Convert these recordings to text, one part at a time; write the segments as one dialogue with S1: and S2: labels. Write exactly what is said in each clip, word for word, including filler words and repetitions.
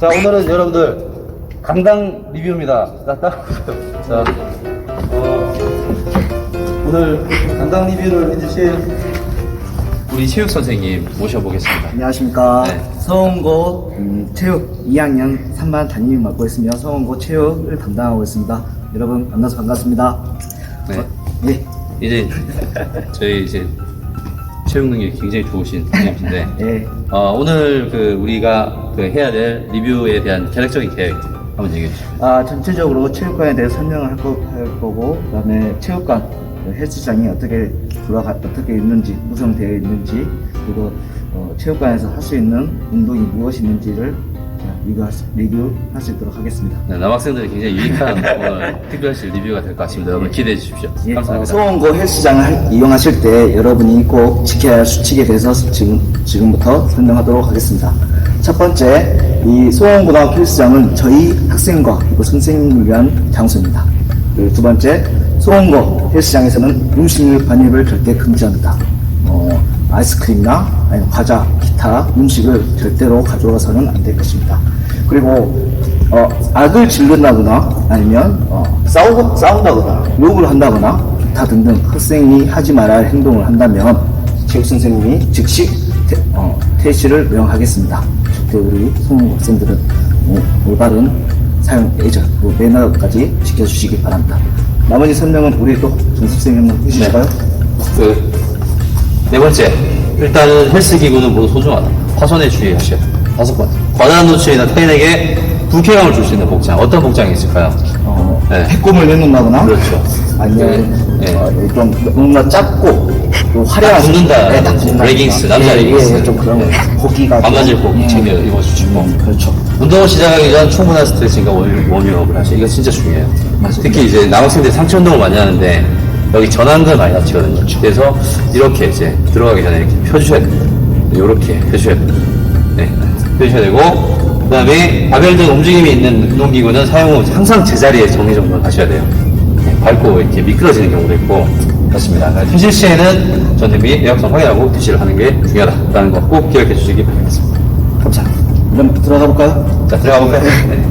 S1: 자, 오늘은 여러분들 강당 리뷰입니다. 자, 딱 자, 어, 오늘 강당 리뷰를 해주실 우리 체육 선생님 모셔보겠습니다.
S2: 안녕하십니까.
S1: 네.
S2: 서원고 음, 체육 이 학년 삼 반 담임 맡고 있으며 서원고 체육을 담당하고 있습니다. 여러분 만나서 반갑습니다.
S1: 네.
S2: 어, 예.
S1: 이제 저희 이제 체육 능력이 굉장히 좋으신 선생님인데
S2: 예.
S1: 어, 오늘 그 우리가 그 해야 될 리뷰에 대한 개략적인 계획 한번 얘기해 주시죠.
S2: 아, 전체적으로 체육관에 대해 설명을 할, 거, 할 거고, 그다음에 체육관 그 헬스장이 어떻게 돌아가 어떻게 있는지 구성되어 있는지, 그리고 어, 체육관에서 할 수 있는 운동이 무엇이 있는지를 리뷰할 수, 리뷰할 수 있도록 하겠습니다.
S1: 네, 남학생들이 굉장히 유익한 오늘 특별시 리뷰가 될 것 같습니다. 여러분 기대해 주십시오.
S2: 예, 어,
S1: 감사합니다.
S2: 서원고 헬스장을 할- 이용하실 때 여러분이 꼭 지켜야 할 수칙에 대해서 지금, 지금부터 설명하도록 하겠습니다. 첫 번째, 이 소원고등학교 헬스장은 저희 학생과 그리고 선생님을 위한 장소입니다. 그리고 두 번째, 소원고 헬스장에서는 음식 반입을 절대 금지합니다. 어, 아이스크림이나 아니면 과자, 기타 음식을 절대로 가져와서는 안 될 것입니다. 그리고 어, 악을 질른다거나 아니면 어, 싸우, 싸운다거나 욕을 한다거나 기타 등등 학생이 하지 말아야 할 행동을 한다면 체육 선생님이 즉시 태, 어, 퇴실을 명하겠습니다. 절대 우리 소년 학생들은 어, 올바른 사용 예절, 그리고 매너까지 지켜주시기 바랍니다. 나머지 설명은 우리 또 정수생님 한번 해주실까요?
S1: 그, 네 번째, 일단은 헬스 기구는 모두 소중하다. 파손에 주의하셔야 돼요. 다섯 번째, 과다한 노출이나 타인에게 불쾌감을 줄 수 있는 복장. 어떤 복장이 있을까요?
S2: 어,
S1: 네.
S2: 해꿈을 내놓는다거나
S1: 그렇죠.
S2: 아니면
S1: 네, 네.
S2: 어, 좀 뭔가 작고 또 화려한
S1: 딱 붙는다.
S2: 네, 딱 붙는다.
S1: 레깅스, 남자
S2: 예,
S1: 레깅스.
S2: 예, 좀 그런
S1: 네.
S2: 고기가
S1: 반바지를 꼭
S2: 좀,
S1: 챙겨
S2: 음,
S1: 입어주시고.
S2: 음, 그렇죠.
S1: 운동을 시작하기 전 충분한 스트레칭과 워- 워밍업을 하셔. 이거 진짜 중요해요.
S2: 맞습니다.
S1: 특히 이제 남학생들이 상체 운동을 많이 하는데 여기 전완근 많이 다치거든요. 그래서 이렇게 이제 들어가기 전에 이렇게 펴주셔야 됩니다. 이렇게 펴주셔야 됩니다. 네, 펴주셔야 되고, 그 다음에 바벨 등 움직임이 있는 운동기구는 사용 후 항상 제자리에 정리정돈을 하셔야 돼요. 네, 밟고 이렇게 미끄러지는 경우도 있고 그렇습니다. 퇴실 시에는 전등비 내역성 확인하고 퇴실을 하는 게 중요하다는 거 꼭 기억해 주시기 바라겠습니다.
S2: 감사합니다. 그럼 들어가 볼까요?
S1: 자, 들어가 볼까요? 네.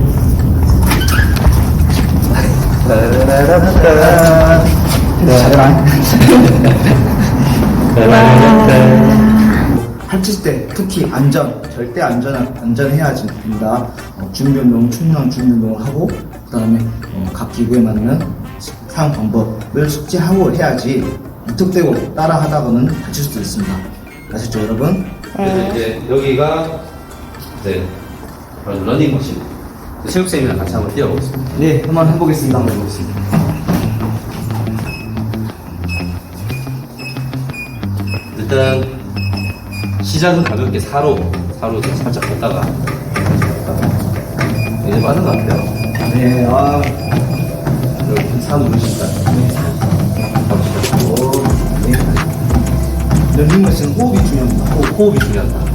S2: 할칠 때 특히 안전, 절대 안전, 안전해야 됩니다. 어, 준비운동, 충분한 준비운동을 하고, 그 다음에 어, 각 기구에 맞는 사용 방법을 숙지하고 해야지 무턱대고 따라 하다가는 다칠 수도 있습니다. 아시죠, 여러분?
S1: 그래서 이제 여기가 이제 바로 러닝머신. 체육쌤이랑 같이 한번 뛰어보겠습니다.
S2: 네, 한번 해보겠습니다. 한번 해보겠습니다.
S1: 일단 시작은 가볍게 사로 사로 살짝 걷다가 이제 빠른 것 같아요.
S2: 네, 아,
S1: 여기 사 누르시니까 가보시죠.
S2: 오, 네. 런닝머신은 호흡이 중요합니다.
S1: 호, 호흡이 중요하다.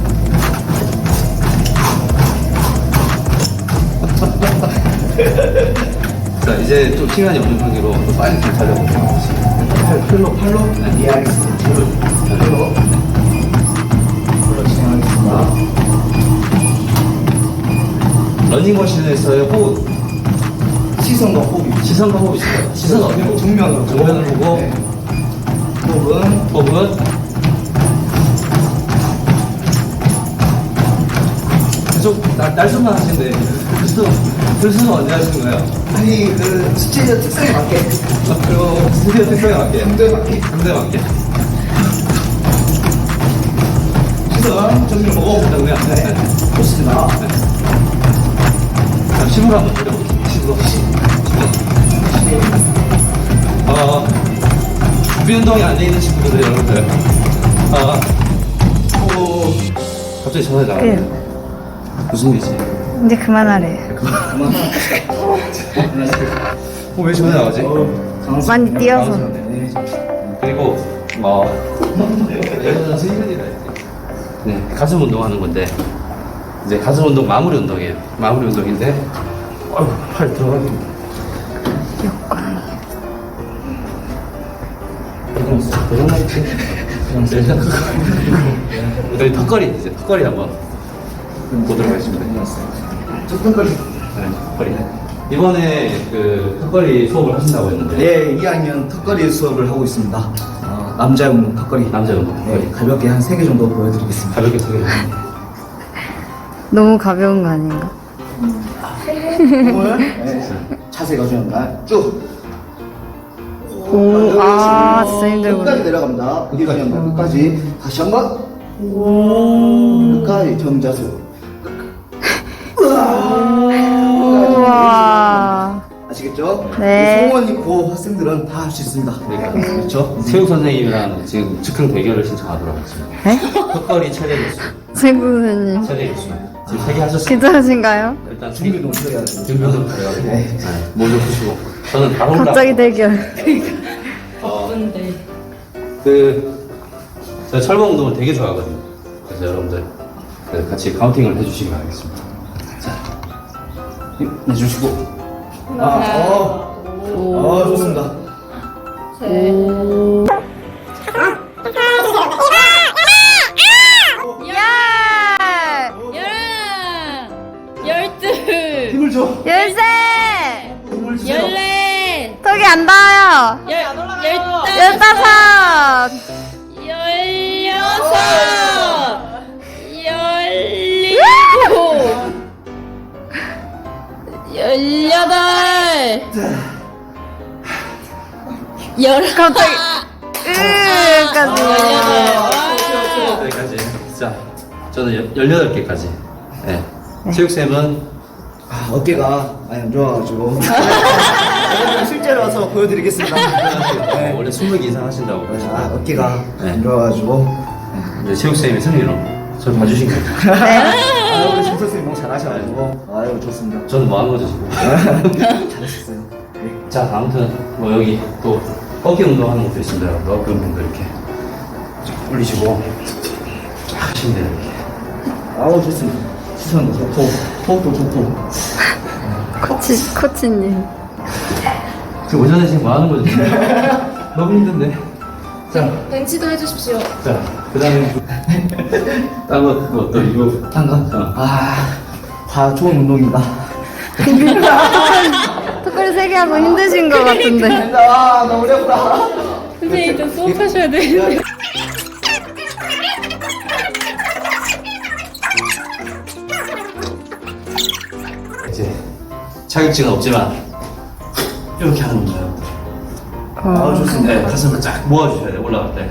S1: 자, 이제 좀 시간이 없는 관계로 또 빨리 좀 달려볼게요.
S2: 팔, 팔로, 팔로?
S1: 네.
S2: 예, 알겠습니다. 팔로, 팔로. 팔로 진행하겠습니다.
S1: 러닝머신에서의 호흡,
S2: 시선과 호흡이.
S1: 시선과 호흡이 있어요. 시선 어떻게 보고?
S2: 정면으로.
S1: 정면을 보고,
S2: 네. 호흡은
S1: 호흡은 계속 날, 날숨만 하시는데, 글쓰, 글쓰는 언제 하시는 거예요?
S2: 아니 그 스테이저 특성에 맞게
S1: 그리고 스튜디오 특성에 맞게.
S2: 상대에 맞게
S1: 상대에 맞게.
S2: 시선 정면 보고
S1: 정면.
S2: 네. 좋습니다.
S1: 자, 심으로 한번 돌려보겠습니다. 심으로. 어, 준비 운동이 안 돼 있는 친구들, 여러분들. 어, 오, 갑자기 전화가 나왔네요. 무슨 일이지?
S3: 이제 그만하래.
S2: 그만.
S1: 어, 왜 전화 나오지?
S3: 많이 뛰어서.
S2: 네.
S1: 그리고, 어, 네, 가슴 운동하는 건데, 이제 가슴 운동 마무리 운동이에요. 마무리 운동인데, 어휴, 팔 들어가기. 여기 턱걸이, 이제 턱걸이 한번 보도록 하겠습니다.
S2: 저 턱걸이.
S1: 네, 턱걸이. 이번에 그 턱걸이 수업을 하신다고 했는데.
S2: 네, 이 학년 턱걸이 수업을 하고 있습니다. 어, 남자 운동 턱걸이.
S1: 남자 운동 턱걸이.
S2: 네, 가볍게 한 세 개 정도 보여드리겠습니다.
S1: 가볍게 소개해 주세요.
S3: 너무 가벼운 거 아닌가?
S2: 몸을 네, 자세가 중요합니다. 쭉.
S3: 오, 아, 진짜 힘들구나.
S2: 끝까지 내려갑니다. 그게 중요합니다. 끝까지. 다시 한 번. 끝까지 정자수.
S3: 우와.
S2: 아시겠죠?
S3: 네.
S2: 성원 있고 학생들은 다 할 수 있습니다.
S1: 그러니까 그렇죠. 체육 선생님이랑 지금 즉흥 대결을 신청하도록 하겠습니다.
S3: 네?
S1: 턱걸이 최대 개수,
S3: 최고 선생님.
S1: 최대 개수. 지금 세 개 하셨어요.
S3: 괜찮으신가요?
S1: 일단
S2: 준비 좀 해야죠.
S1: 준비도 가려가지고
S2: 네.
S1: 모두 푸시고 저는 바로 올라.
S3: 갑자기 대결.
S4: 바쁜데.
S1: 그 제가 철봉 운동을 되게 좋아하거든요. 그래서 여러분들 그 같이 카운팅을 해주시기 바라겠습니다. 자, 힘 내주시고.
S2: 아, 어, 어, 좋습니다.
S3: 열!
S4: 열한, 열둘,
S2: 힘을 줘.
S3: 열세!
S2: 힘을 주세요.
S4: 열넷,
S3: 턱이 안 닿아요.
S4: 열, 열다섯,
S3: 열다섯!
S4: 열여섯, 열일곱, 열여덟, 열아홉,
S3: 갑자기. 으까지.
S4: 열여덟.
S1: 여기까지. 자, 저는 열여덟 개까지. 네. 체육쌤은
S2: 아, 어깨가 많이 안 좋아가지고. 실제로 와서 보여드리겠습니다.
S1: 네. 원래 스무 개 이상 하신다고
S2: 아,
S1: 그러시고
S2: 어깨가
S1: 네.
S2: 안 좋아가지고.
S1: 이제 체육쌤이 승리로 저를 봐주신 거예요.
S2: 아, 우리 심 선생님 너무 잘하셔가지고. 아유, 좋습니다.
S1: 저는 뭐 하는 거죠 지금?
S2: 잘하셨어요. 네.
S1: 자, 아무튼 뭐 여기 또 어깨 운동하는 것도 있습니다. 여러분. 어깨 운동도 이렇게 쫙 올리시고 쫙 하시면 돼요. 이렇게.
S2: 아우, 좋습니다. 시선도 좋고, 호흡도 좋고.
S3: 코치, 코치님.
S1: 그 오전에 지금 뭐 하는 거죠? 지금? 너무 힘든데. 자,
S4: 벤치도 해주십시오.
S1: 자, 그 다음에 딴거 그거 또 이거
S2: 딴 거?
S1: 어.
S2: 아, 다 좋은 운동입니다.
S3: 턱걸이 세 개 하고 힘드신 것 같은데.
S2: 아, 너무 어렵다.
S4: 선생님 좀 수업하셔야 되는데.
S1: 이제 자격증은 없지만 이렇게 하는 거예요.
S2: 아, 좋습니다.
S1: 네, 가슴을 쫙 모아주셔야 돼요. 올라갈 때.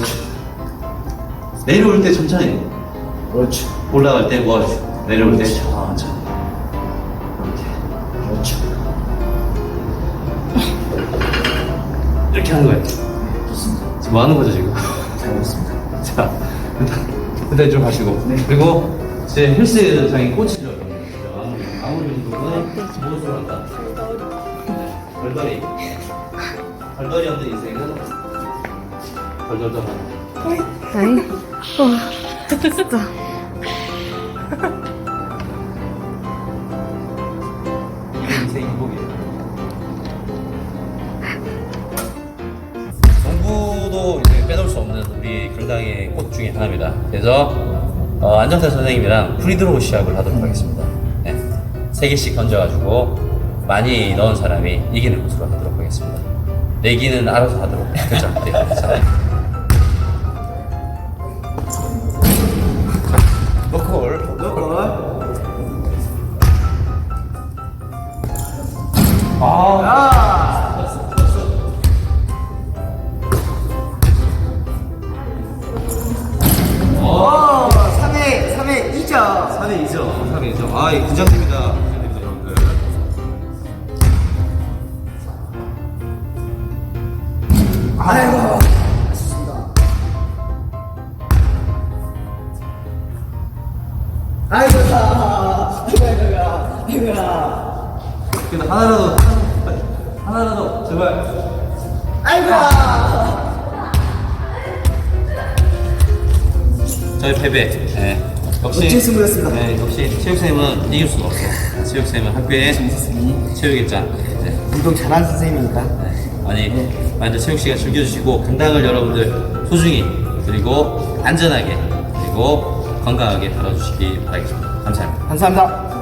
S1: 내려올 때 천천히.
S2: 그렇지.
S1: 올라갈 때 모아주시고 내려올 때 천천히. 이렇게.
S2: 그렇지.
S1: 이렇게 하는 거예요.
S2: 좋습니다.
S1: 지금 뭐 하는 거죠 지금?
S2: 잘했습니다.
S1: 자, 일단, 일단 좀 하시고. 그리고 제 헬스장에 꽂히죠. 아무리 운동은 무엇으로 한다? 벌벌이. 벌벌이 없는 인생은 벌벌도 한다.
S3: 아이, 어, 진짜.
S1: 이게 인생 행복이에요. 공부도 이제 빼놓을 수 없는 우리 강당의 꽃 중에 하나입니다. 그래서 어, 안정태 선생님이랑 프리드로우 시합을 하도록 하겠습니다. 네. 세 개씩 던져가지고 많이 넣은 사람이 이기는 것으로 하도록 하겠습니다. 내기는 알아서 하도록. 그렇죠? 네. 자. 노콜.
S2: 너걸.
S1: 아.
S2: 오, 삼 회, 삼 회 이 점.
S1: 삼 회 이 점. 삼 회 이 점. 아, 이 긴장됩니다. 긴장됩니다, 여러분들.
S2: 아이고. 아이고, 다. 아이고야, 아이고야.
S1: 근데 하나라도, 하나라도, 제발.
S2: 아이고야.
S1: 저희 패배. 네. 역시.
S2: 멋진 승부였습니다.
S1: 네, 역시 체육쌤은 이길 수가 없어요. 체육쌤은 학교의 체육의 짱. 네.
S2: 운동 잘하는 선생님이니까.
S1: 네. 많이, 많이들 체육 시간 즐겨주시고, 강당을 여러분들 소중히, 그리고 안전하게, 그리고 건강하게 다뤄주시기 바라겠습니다. 감사합니다.
S2: 감사합니다.